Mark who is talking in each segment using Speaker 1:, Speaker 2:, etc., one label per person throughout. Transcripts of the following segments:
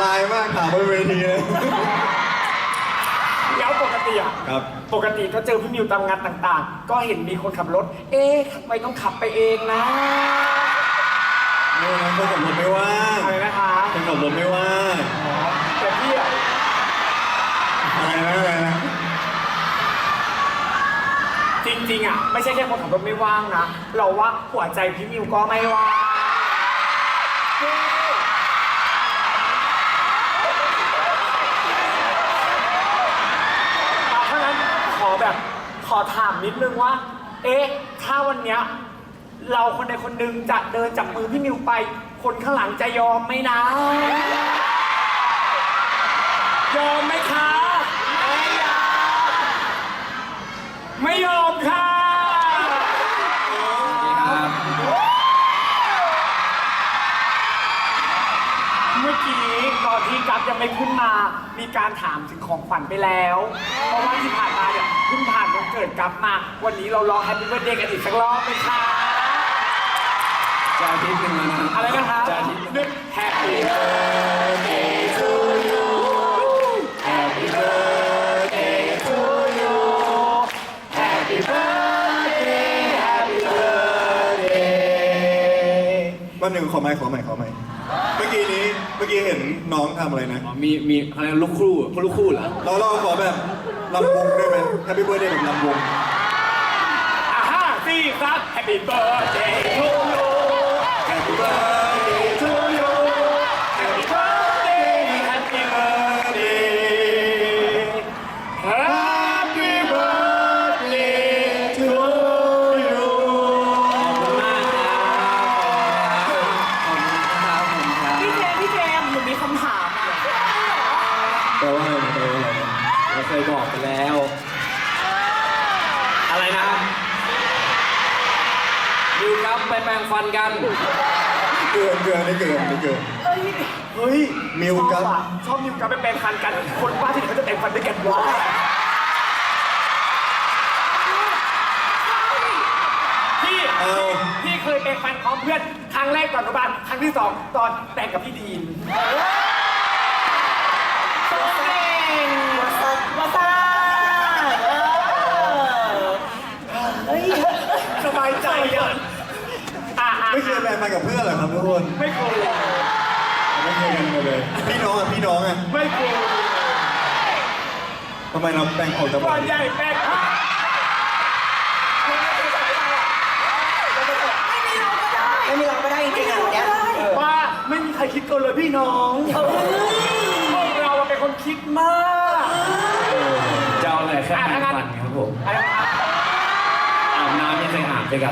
Speaker 1: ลายมากถามบนเวทีเลย
Speaker 2: แล้วปกติอ่ะ
Speaker 1: ครับ
Speaker 2: ปกติก็เจอพี่มิวตามงานต่างๆ ก็เห็นมีคนขับรถ เอ๊ะทำไมต้องขับไปเองนะ
Speaker 1: ไม่งั้นคนขับรถไม่ว่าง
Speaker 2: อะไรนะคะ
Speaker 1: คนขับรถไม่ว่าง
Speaker 2: แต่พี่อะ
Speaker 1: อะไรนะ
Speaker 2: จริงๆอ่ะไม่ใช่แค่คนขับรถไม่ว่างนะ เราว่าหัวใจพี่มิวก็ไม่ว่างเพราะฉะนั้นขอถามนิดนึงว่า เอ๊ะ ถ้าวันเนี้ยเราคนใดคนหนึ่งจะเดินจับมือพี่มิวไป คนข้างหลังจะยอมไหมนะ ยอมไหมคะ ไม่ยอม ไม่ยอมค่ะ เมื่อกี้ตอนที่กัฟยังไม่ขึ้นมา มีการถามถึงของขวัญไปแล้ว เพราะว่าที่ผ่านมาเนี่ยเพิ่งผ่านวันเกิดกัฟมา วันนี้เรารอแฮปปี้เบิร์ธเดย์กันอีกสักรอบไหมคะ
Speaker 3: จะอาทิตย์หนึ่งแล้วนะ
Speaker 2: อะไรนะคะ
Speaker 3: จะอาทิตย์
Speaker 2: นึก Happy birthday to you Happy birthday to you Happy birthday Happy birthday
Speaker 1: วันหนึ่งขอใหม่เมื่อกี้เห็นน้องทำอะไรนะ
Speaker 3: มีอะไรลูกคู่เหรอ
Speaker 1: เราขอแบบลำวงได้ไหมแฮปปี้เบิร์ดเดย์แบบลำวง
Speaker 2: ห้าสี่สาม Happy birthday to you Happy birthday to you Happy birthday Happy birthday Happy birthday to you พี่เจมส์หนูมีคำถามอ่ะ
Speaker 1: แปลว่าอะไรนะ
Speaker 3: เราเคยบอกไปแล้ว อะไรนะดิวครับไปแปรงฟันกัน
Speaker 1: เกินนี่เกิน
Speaker 2: เฮ้ย
Speaker 1: มิวกับ
Speaker 2: ชอบมิวกับไปแปลงฟันกัน คนบ้าที่ไหนเขาจะแปลงฟันด้วยกันวะพี่เคยแปลงฟันพร้อมเพื่อนครั้งแรกตอนอนุบาลครั้งที่สองตอนแปลงกับพี่ดีนสบายใจอ่ะ
Speaker 1: ไม่เคยแบ่งมากับเพื่อนเหรอครับทุกคน
Speaker 2: ไม่เคย
Speaker 1: ไม่เคยกันมาเลย พี่น้องอ่ะ
Speaker 2: ไม่เคย
Speaker 1: ทำไมเราแบ่งออกจาก
Speaker 2: ตอนใหญ่แปลง
Speaker 4: ไม่มีเราก็ได้จริงๆอ่ะวันเนี้ย
Speaker 2: ว่าไม่มีใครคิดเกินเลยพี่น้องพวกเราเป็นคนคิดมาก
Speaker 3: จะเอาอะไรแค่แปรงฟันครับผมอาบน้ำยังเคยอาบด้วยกัน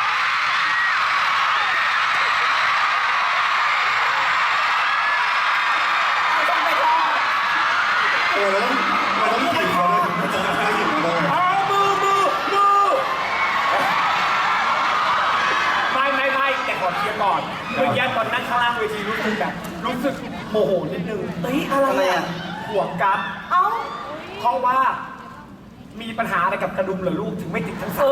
Speaker 1: แล้วต้องกินเขาเลยจะให้กินเขาเลย
Speaker 2: มือไม่แต่ขอเคลียร์ก่อนเมื่อกี้ตอนนั่งข้างล่างเวทีรู้สึกโมโหนิดนึง
Speaker 4: เฮ้ยอะไร
Speaker 1: ทำไม
Speaker 4: อ่ะ
Speaker 1: อ่ะ
Speaker 2: ห่วงกัฟ
Speaker 4: เอ้า
Speaker 2: เพราะว่ามีปัญหาอะไรกับกระดุมเหรอลูกถึงไม่ติดทั้งสาม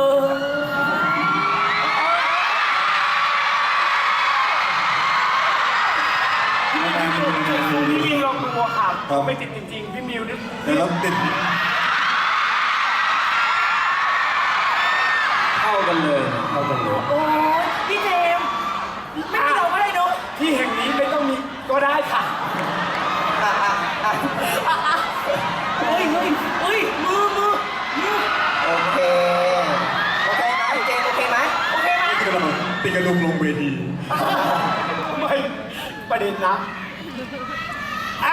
Speaker 2: พี่มิวลองดูค่ะไม่ติดจริงๆพี่มิวนี่
Speaker 1: แต่เราติด
Speaker 3: เข้ากันเลย
Speaker 4: โอ้ยพี่เจมส์ไม่มีเราก็ได้เนอะ
Speaker 2: ที่แห่งนี้ไม่ต้องมีก็ได้ค่ะ
Speaker 4: เฮ้ยมือโอเคไหมเจมส์โอเคไหม
Speaker 2: โอเคไหม
Speaker 1: ติดกระดุมลงเวที
Speaker 2: ไม่ประเด็นนะอ่า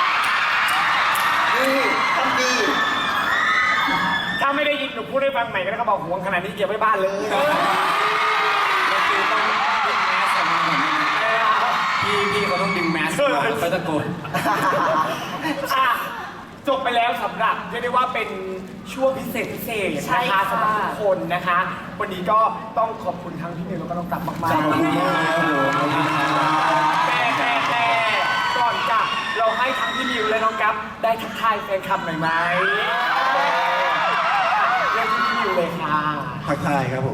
Speaker 4: ทำดี
Speaker 2: ถ้าไม่ได้ยินหนูพูดให้ฟังใหม่ก็ได้เขาบอกห่วงขนาดนี้เก็บไว้บ้านเลย
Speaker 3: แล้วคือต้องดึงแมสออกมาเหมือนพี่เขาต้องดึงแมสออกมาเขาตะโกน
Speaker 2: อ่ะจบไปแล้วสำหรับเรียกได้ว่าเป็นช่วงพิเศษนะคะสำหรับทุกคนนะคะ วันนี้ก็ต้องขอบคุณทั้งพี่มิวแล้วก็น้องกลับมากๆ
Speaker 1: ขอบคุณมากครับผม
Speaker 2: แต่ก่อนจะเราให้ทั้งพี่มิวและน้องกัฟได้ทักทายแฟนคลับหน่อยไหมเรื่องที่พี่มิวเลยค่ะ
Speaker 1: ทักทายครับผม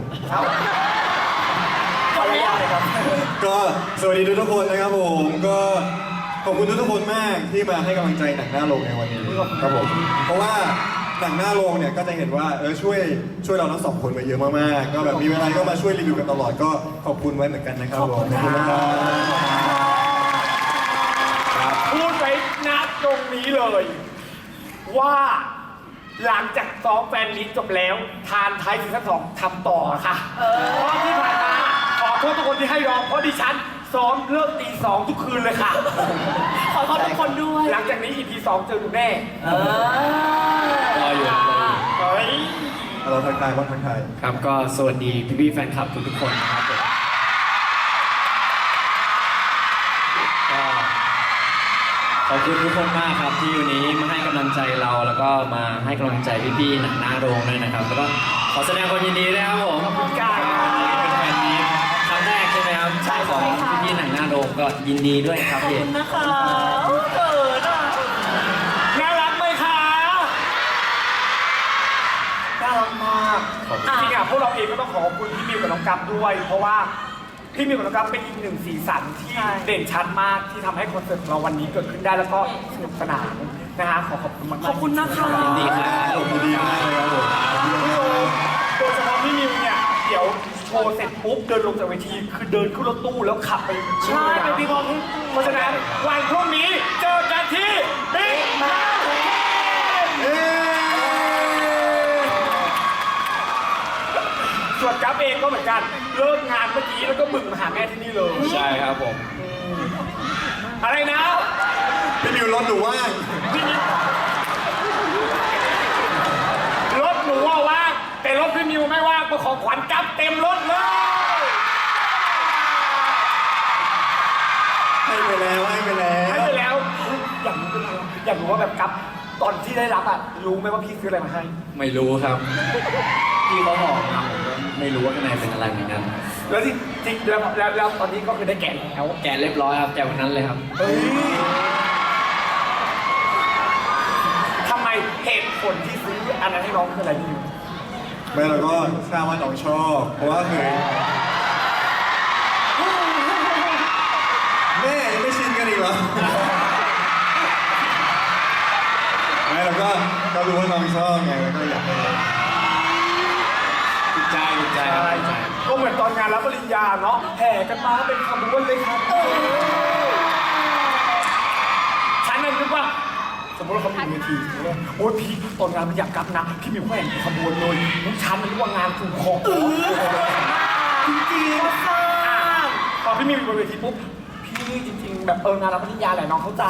Speaker 2: ขออนุญาตเลยครับ
Speaker 1: ก็สวัสดีทุกคนนะครับผมก็ขอบคุณทุกคนมากที่มาให้กำลังใจหนังหน้าโรงในวันนี้ครับผมเพราะว่าหนังหน้าโรงเนี่ยก็จะเห็นว่าช่วยเราทั้งสองคนมาเยอะมากๆก็แบบมีเวลาก็มาช่วยรีวิวกันตลอดก็ขอบคุณไว้เหมือนกันนะครับผมขอบคุณนะครับ
Speaker 2: พูดไว้ณตรงนี้เลย ว่าหลังจากซ้อมแฟนมิตจบแล้ว ทานไทยซีซั่น2ทำต่อค่ะเพราะที่ผ่านมาขอโทษทุกคนที่ให้รอเพราะดิฉันซ้อมเลิกตี 2ทุกคืนเลยค่ะ
Speaker 4: ขอโทษทุกคนด้วย
Speaker 2: หลังจากนี้ EP 2เจอหนูแน่
Speaker 3: รออยู่
Speaker 2: เฮ้ย
Speaker 1: เราทักทายบ้างทักทาย
Speaker 3: ครับก็สวัสดีพี่ๆแฟนคลับทุกๆคนนะครับผมก็ขอบคุณทุกคนมากครับที่วันนี้มาให้กำลังใจเราแล้วก็มาให้กำลังใจพี่ๆหนังหน้าโรงด้วยนะครับแล้วก็ขอแสดงความยินดีด้วยครับผม
Speaker 2: ขอบคุณค่ะ
Speaker 3: เป็นแฟนมีตครั้งแรกใช่ไหมครับใช่ของพี่ๆหนังหน้าโรงก็ยินดีด้วยครับ
Speaker 4: ขอบ
Speaker 3: พี่
Speaker 4: คุณนะคะเกิดอ่ะ
Speaker 2: น่ารักไหมคะน่ารักมากจริงๆอ่ะพวกเราเองก็ต้องขอบคุณพี่มิวกับน้องกั๊บด้วย เพราะว่าพี่มิวกับน้องกั๊บเป็นอีกหนึ่งสีสันที่เด่นชัดมากที่ทำให้คอนเสิร์ตของเราวันนี้เกิดขึ้นได้แล้วก็สนุกสนานนะฮะขอบคุณมากๆ
Speaker 4: ขอบคุณนะคะ
Speaker 3: ยินดีครับ
Speaker 1: ขอบคุณดีมากเลยครับผม
Speaker 2: โดยเฉพาะพี่มิวเนี่ยเดี๋ยวโชว์เสร็จปุ๊บเดินลงจากเวทีคือเดินขึ้นรถตู้แล้วขับไป
Speaker 4: ใช่ไปบิ๊กบอลที่
Speaker 2: เพราะฉะนั้นวันพรุ่งนี้เจอกันที่บิ๊กมา ส่วนกั๊บเองก็เหมือนกันเลิกงานเมื่อกี้แล้วก็บึ่งมาหาแม่ที่นี่เลย
Speaker 3: ใช่ครับผม
Speaker 2: อะไรนะ
Speaker 1: พี่มิวรถหนูว่าง
Speaker 2: รถหนูว่าว่างแต่รถพี่มิวไม่ว่างเพราะของขวัญกั๊บเต็มรถเลย
Speaker 1: ให้ไปแล้วให้ไปแล้ว
Speaker 2: ให้ไปแล้วอยากรู้เป็นอะไรอยากรู้ว่าแบบกั๊บตอนที่ได้รับอ่ะรู้ไหมว่าพี่ซื้ออะไรมาให้
Speaker 3: ไม่รู้ครับพี่เขาบอกมาผมก็ไม่รู้ว่าข้างในเป็นอะไรเหมือนกัน
Speaker 2: แล้วที่จริงแล้วตอนนี้ก็คือได้แกะแล้ว
Speaker 3: แกะเรียบร้อยครับแกะวันนั้นเลยครับ
Speaker 2: เฮ้ยทำไมเหตุผลที่ซื้ออันนั้นให้น้องคืออะไรพี่มิว
Speaker 1: ไม่เราก็ทราบว่าน้องชอบเพราะว่าเคยแม่ยังไม่ชินกันอีกเหรอไม่เราก็รู้ว่าน้องชอบไงแล้วก็อยากให้
Speaker 3: ถูกใจถูกใจครับถูกใจ
Speaker 2: ก็เหมือนตอนงานรับปริญญาเนาะแห่กันมาเป็นขบวนเลยครับฉันนั่นนึกว่าสมมติว่าเขามีเวทีโอ้ยพี่ตอนงานมันอยากกลับนะพี่มิวแห่งขบวนเลยนุ้ฉันนึกว่างานถูกของจริงๆพอพี่มิวอยู่บนเวทีปุ๊บพี่จริงๆแบบงานรับปริญญาแหละน้องเข้าใจ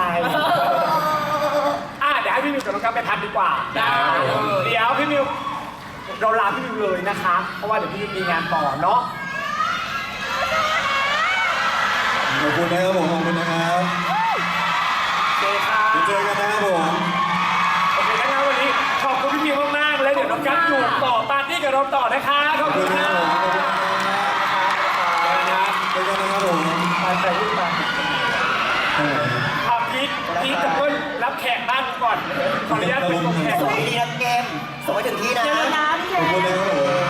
Speaker 2: เดี๋ยวให้พี่มิวกับน้องกั๊บไปพักดีกว่าเดี๋ยวพี่มิวเราลาพี่มิวเลยนะคะ เพราะว่าเดี๋ยวพี่มิวมีงานต่อเนาะ
Speaker 1: ขอบคุณนะครับผมขอบคุณนะครับ
Speaker 2: โอเคค่ะ
Speaker 1: เดี๋ยวเจอกันนะครับผม
Speaker 2: โอเคงั้นวันนี้ขอบคุณพี่มิวมากๆแล้วเดี๋ยวน้องกั๊บอยู่ต่อปาร์ตี้กับเราต่อนะคะขอบคุณค่ะ
Speaker 1: เจอกันนะครับผม
Speaker 2: ไปลูกไปเอาพีทกับเพื่อนรับแขกบ้านก่อนขออนุญาตเป็นตัวแขก
Speaker 5: ส่งให้ดีนะเกมส่งให้ถึงที่นะ
Speaker 4: เจอกันนะพี่
Speaker 1: ขอบคุณ
Speaker 4: เจ
Speaker 1: นะครับผม